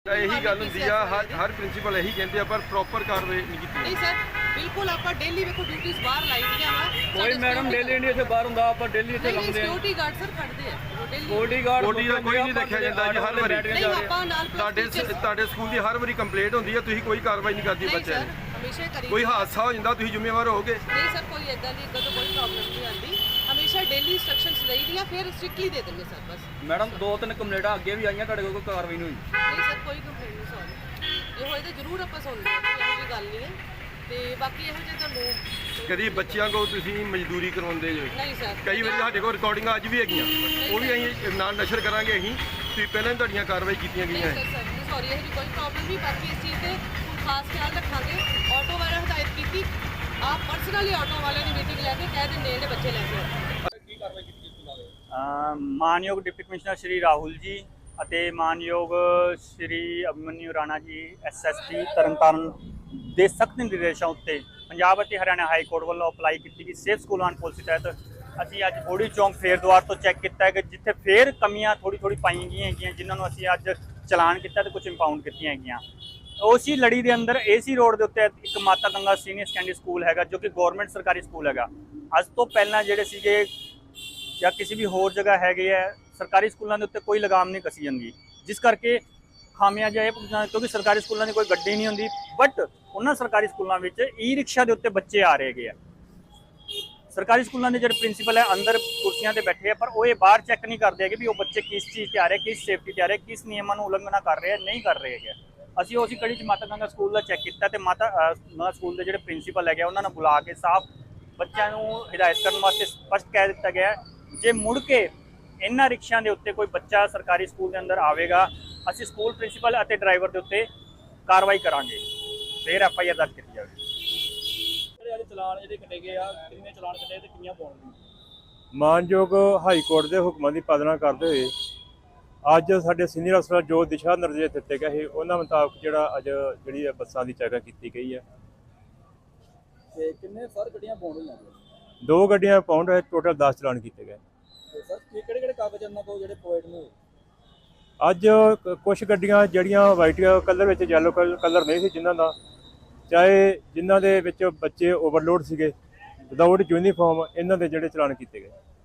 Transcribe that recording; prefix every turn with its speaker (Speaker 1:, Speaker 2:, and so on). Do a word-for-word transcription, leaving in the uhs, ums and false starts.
Speaker 1: ਇਹੀ ਗੱਲ ਹੁੰਦੀ ਆ ਹਰ ਹਰ ਪ੍ਰਿੰਸੀਪਲ ਇਹੀ ਕਹਿੰਦੇ ਆ ਪਰ ਪ੍ਰੋਪਰ ਕਾਰਵਾਈ ਨਹੀਂ ਕੀਤੀ
Speaker 2: ਨਹੀਂ ਸਰ ਬਿਲਕੁਲ ਆਪਾਂ ਡੇਲੀ ਵੇਖੋ ਡਿਊਟੀਆਂ ਬਾਹਰ ਲਾਈ ਦੀਆਂ ਵਾ
Speaker 3: ਕੋਈ ਮੈਡਮ ਡੇਲੀ ਨਹੀਂ ਇੱਥੇ ਬਾਹਰ ਹੁੰਦਾ ਆਪਾਂ ਡੇਲੀ ਇੱਥੇ ਲਾਉਂਦੇ ਆ
Speaker 2: ਸਿਕਿਉਰਿਟੀ ਗਾਰਡ ਸਰ ਖੜਦੇ ਆ ਡੇਲੀ
Speaker 3: ਸਿਕਿਉਰਿਟੀ ਗਾਰਡ
Speaker 1: ਬੋਡੀ ਦਾ ਕੋਈ ਨਹੀਂ ਦੇਖਿਆ ਜਾਂਦਾ ਜੀ ਹਰ ਵਾਰੀ
Speaker 2: ਨਹੀਂ ਆਪਾਂ ਨਾਲ
Speaker 1: ਤੁਹਾਡੇ ਤੁਹਾਡੇ ਸਕੂਲ ਦੀ ਹਰ ਵਾਰੀ ਕੰਪਲੇਂਟ ਹੁੰਦੀ ਹੈ ਤੁਸੀਂ ਕੋਈ ਕਾਰਵਾਈ ਨਹੀਂ ਕਰਦੇ ਬੱਚਿਆਂ ਦੀ
Speaker 2: ਹਮੇਸ਼ਾ ਕਰੀ
Speaker 1: ਕੋਈ ਹਾਦਸਾ ਹੋ ਜਾਂਦਾ ਤੁਸੀਂ ਜ਼ਿੰਮੇਵਾਰ ਹੋਗੇ
Speaker 2: ਨਹੀਂ ਸਰ ਕੋਈ ਇਦਾਂ ਦੀ ਇੱਦਾਂ ਤੋਂ ਕੋਈ ਪ੍ਰੋਬਲਮ ਨਹੀਂ ਆਉਂਦੀ ਹਮੇਸ਼ਾ ਡੇਲੀ ਇਨਸਟਰਕਸ਼ਨਸ ਲਈ ਦੀਆਂ ਫਿਰ ਸਟ੍ਰਿਕਟਲੀ ਦੇ ਦਿੰਦੇ ਸਰ ਬਸ
Speaker 3: ਮੈਡਮ ਦੋ ਤਿੰਨ ਕੰਪਲੇਂਟਾਂ ਅੱਗੇ ਵੀ ਆਈਆਂ ਤੁਹਾਡੇ ਕੋਲ ਕੋਈ ਕਾਰਵਾਈ ਨਹੀਂ ਹੋਈ
Speaker 2: ਨਹੀਂ ਸਰ ਕੋਈ ਕੰਪਲੇਂਟ ਨਹੀਂ ਸੌਰੀ ਇਹ ਹੋਏ ਤਾਂ ਜ਼ਰੂਰ ਆਪਾਂ ਸੁਣਦੇ ਹਾਂ ਕੋਈ ਇਹੋ ਜਿਹੀ ਗੱਲ ਨਹੀਂ ਹੈ ਤੇ ਬਾਕੀ ਇਹੋ ਜਿਹੇ ਤੁਹਾਨੂੰ
Speaker 1: ਕਦੀ ਬੱਚਿਆਂ ਕੋਲ ਤੁਸੀਂ ਮਜ਼ਦੂਰੀ ਕਰਵਾਉਂਦੇ ਜੋ
Speaker 2: ਨਹੀਂ ਸਰ
Speaker 1: ਕਈ ਵਾਰੀ ਸਾਡੇ ਕੋਲ ਰਿਕਾਰਡਿੰਗਾਂ ਅੱਜ ਵੀ ਹੈਗੀਆਂ ਉਹ ਵੀ ਅਸੀਂ ਨਾਲ ਨਸ਼ਰ ਕਰਾਂਗੇ ਅਸੀਂ ਤੁਸੀਂ ਪਹਿਲਾਂ ਹੀ ਤੁਹਾਡੀਆਂ ਕਾਰਵਾਈ ਕੀਤੀਆਂ ਗਈਆਂ
Speaker 2: ਨਹੀਂ ਸਰ ਸਰ ਸੌਰੀ ਇਹੋ ਜਿਹੀ ਕੋਈ ਪ੍ਰੋਬਲਮ ਨਹੀਂ ਬਾਕੀ ਇਸ ਚੀਜ਼ ਤੇ ਹੁਣ ਖਾਸ ਖਿਆਲ ਰੱਖਾਂਗੇ ਆਟੋ ਵਾਲਾ ਹਦਾਇਤ ਕੀਤੀ ਆਪ ਪਰਸਨਲੀ ਆਟੋ ਵਾਲੇ ਦੀ ਮੀਟਿੰਗ ਲੈ ਕੇ ਕਹਿ ਦਿੰਦੇ ਜਿਹੜੇ ਬੱਚੇ ਲੈ ਕੇ ਆਓ
Speaker 1: ਕੀ ਕਾਰਵਾਈ ਕੀਤੀ ਇਸ
Speaker 4: ਮਾਨਯੋਗ ਡਿਪਟੀ ਕਮਿਸ਼ਨਰ ਸ਼੍ਰੀ ਰਾਹੁਲ ਜੀ ਅਤੇ ਮਾਨਯੋਗ ਸ਼੍ਰੀ ਅਭਿਮਨਿਊ ਰਾਣਾ ਜੀ ਐਸਐਸਪੀ ਤਰਨਤਾਰਨ ਦੇ ਸਖਤ ਨਿਰਦੇਸ਼ਾਂ ਉੱਤੇ ਪੰਜਾਬ ਅਤੇ ਹਰਿਆਣਾ ਹਾਈ ਕੋਰਟ ਵੱਲੋਂ ਅਪਲਾਈ ਕੀਤੀ ਗਈ ਸੇਫ ਸਕੂਲ ਐਂਡ ਪਾਲਿਸੀ ਤਹਿਤ ਅਸੀਂ ਅੱਜ ਬੋੜੀ ਚੌਂਕ ਫੇਰ ਦੁਆਰ ਤੋਂ ਚੈੱਕ ਕੀਤਾ ਹੈ ਕਿ ਜਿੱਥੇ ਫੇਰ ਕਮੀਆਂ ਥੋੜੀ ਥੋੜੀ ਪਾਈਆਂ ਗਈਆਂ ਹੈਗੀਆਂ ਜਿਨ੍ਹਾਂ ਨੂੰ ਅਸੀਂ ਅੱਜ ਚਲਾਨ ਕੀਤਾ ਤੇ ਕੁਝ ਇੰਪਾਊਂਡ ਕੀਤੀਆਂ ਹੈਗੀਆਂ ਉਸੇ ਲੜੀ ਦੇ ਅੰਦਰ ਏਸੀ ਰੋਡ ਦੇ ਉੱਤੇ ਇੱਕ ਮਾਤਾ ਗੰਗਾ ਸੀਨੀਅਰ ਸੈਕੰਡਰੀ ਸਕੂਲ ਹੈਗਾ ਜੋ ਕਿ ਗਵਰਨਮੈਂਟ ਸਰਕਾਰੀ ਸਕੂਲ ਹੈਗਾ ਅੱਜ ਤੋਂ ਪਹਿਲਾਂ ਜਿਹੜੇ ਸੀਗੇ ਜਾਂ ਕਿਸੇ ਵੀ ਹੋਰ ਜਗ੍ਹਾ ਹੈਗੇ ਆ ਸਰਕਾਰੀ ਸਕੂਲਾਂ ਦੇ ਉੱਤੇ ਕੋਈ ਲਗਾਮ ਨਹੀਂ ਕਸੀ ਜਾਂਦੀ ਜਿਸ ਕਰਕੇ ਖਾਮਿਆਜਾ ਇਹ ਕਿਉਂਕਿ ਸਰਕਾਰੀ ਸਕੂਲਾਂ ਦੀ ਕੋਈ ਗੱਡੀ ਨਹੀਂ ਹੁੰਦੀ ਬਟ ਉਹਨਾਂ ਸਰਕਾਰੀ ਸਕੂਲਾਂ ਵਿੱਚ ਈ ਰਿਕਸ਼ਾ ਦੇ ਉੱਤੇ ਬੱਚੇ ਆ ਰਹੇ ਹੈਗੇ ਆ ਸਰਕਾਰੀ ਸਕੂਲਾਂ ਦੇ ਜਿਹੜੇ ਪ੍ਰਿੰਸੀਪਲ ਹੈ ਅੰਦਰ ਕੁਰਸੀਆਂ ਤੇ ਬੈਠੇ ਆ ਪਰ ਉਹ ਇਹ ਬਾਹਰ ਚੈੱਕ ਨਹੀਂ ਕਰਦੇ ਹੈਗੇ ਵੀ ਉਹ ਬੱਚੇ ਕਿਸ ਚੀਜ਼ ਤੇ ਆ ਰਹੇ ਕਿਸ ਸੇਫਟੀ ਤੇ ਆ ਰਹੇ ਕਿਸ ਨਿਯਮਾਂ ਨੂੰ ਉਲੰਘਣਾ ਕਰ ਰਹੇ ਨਹੀਂ ਕਰ ਰਹੇ ਹੈਗੇ ਅਸੀਂ ਉਸੇ ਕੜੀ 'ਚ ਮਾਤਾ ਗੰਗਾ ਸਕੂਲ ਦਾ ਚੈੱਕ ਕੀਤਾ ਤੇ ਮਾਤਾ ਸਕੂਲ ਦੇ ਜਿਹੜੇ ਪ੍ਰਿੰਸੀਪਲ ਹੈਗੇ ਉਹਨਾਂ ਨੂੰ ਬੁਲਾ ਕੇ ਸਾਫ਼ ਬੱਚਿਆਂ ਨੂੰ ਹਿਦਾਇਤ ਕਰਨ ਵਾਸਤੇ ਸਪਸ਼ਟ ਕਹਿ ਦਿੱਤਾ ਗਿਆ ਜੇ ਮੁੜ ਕੇ ਇਹਨਾਂ ਰਿਕਸ਼ਿਆਂ ਦੇ ਉੱਤੇ ਕੋਈ ਬੱਚਾ ਸਰਕਾਰੀ ਸਕੂਲ ਦੇ ਅੰਦਰ ਆਵੇਗਾ ਅਸੀਂ ਸਕੂਲ ਪ੍ਰਿੰਸੀਪਲ ਅਤੇ ਡਰਾਈਵਰ ਦੇ ਉੱਤੇ ਕਾਰਵਾਈ ਕਰਾਂਗੇ ਫਿਰ ਐਫ ਆਈ ਆਰ ਦਰਜ ਕੀਤੀ ਜਾਵੇਗੀ
Speaker 3: ਜਿਹੜੇ ਚਲਾਨ ਇਹਦੇ ਕੱਟੇ ਗਏ ਆ ਕਿੰਨੇ ਚਲਾਨ ਕੱਟੇ ਤੇ ਕਿੰਨੀਆਂ ਪਾਉਣਗੀਆਂ
Speaker 5: ਮਾਨਯੋਗ ਹਾਈ ਕੋਰਟ ਦੇ ਹੁਕਮਾਂ ਦੀ ਪਾਲਣਾ ਕਰਦੇ ਹੋਏ ਅੱਜ ਸਾਡੇ ਸੀਨੀਅਰ ਅਫਸਰ ਜੋ ਦਿਸ਼ਾ ਨਿਰਦੇਸ਼ ਦਿੱਤੇ ਗਏ ਸੀ ਉਹਨਾਂ ਮੁਤਾਬਕ ਜਿਹੜਾ ਅੱਜ ਜਿਹੜੀ ਬੱਸਾਂ ਦੀ ਚੈਕਿੰਗ ਕੀਤੀ ਗਈ ਹੈ
Speaker 3: ਤੇ ਕਿੰਨੇ ਸਰ ਗੱਡੀਆਂ ਪਾਉਣ ਹੋਈਆਂ
Speaker 5: ਦੋ ਗੱਡੀਆਂ ਪਾਉਂਡ ਹੋਏ ਟੋਟਲ ਦਸ ਚਲਾਨ ਕੀਤੇ ਗਏ
Speaker 3: ਤੇ ਸਰ ਕਿਹੜੇ ਕਿਹੜੇ ਕਾਗਜ਼ ਇਹਨਾਂ ਕੋਲ ਜਿਹੜੇ ਪ੍ਰੋਵਾਈਡ ਨੇ
Speaker 5: ਅੱਜ ਕੁਝ ਗੱਡੀਆਂ ਜਿਹੜੀਆਂ ਵਾਈਟ ਕਲਰ ਵਿੱਚ ਯੈਲੋ ਕਲਰ ਨਹੀਂ ਸੀ ਜਿਨ੍ਹਾਂ ਦਾ ਚਾਹੇ ਜਿਨ੍ਹਾਂ ਦੇ ਵਿੱਚ ਬੱਚੇ ਓਵਰਲੋਡ ਸੀਗੇ ਵਿਦਆਊਟ ਯੂਨੀਫਾਰਮ ਇਹਨਾਂ ਦੇ ਜਿਹੜੇ ਚਲਾਨ ਕੀਤੇ ਗਏ।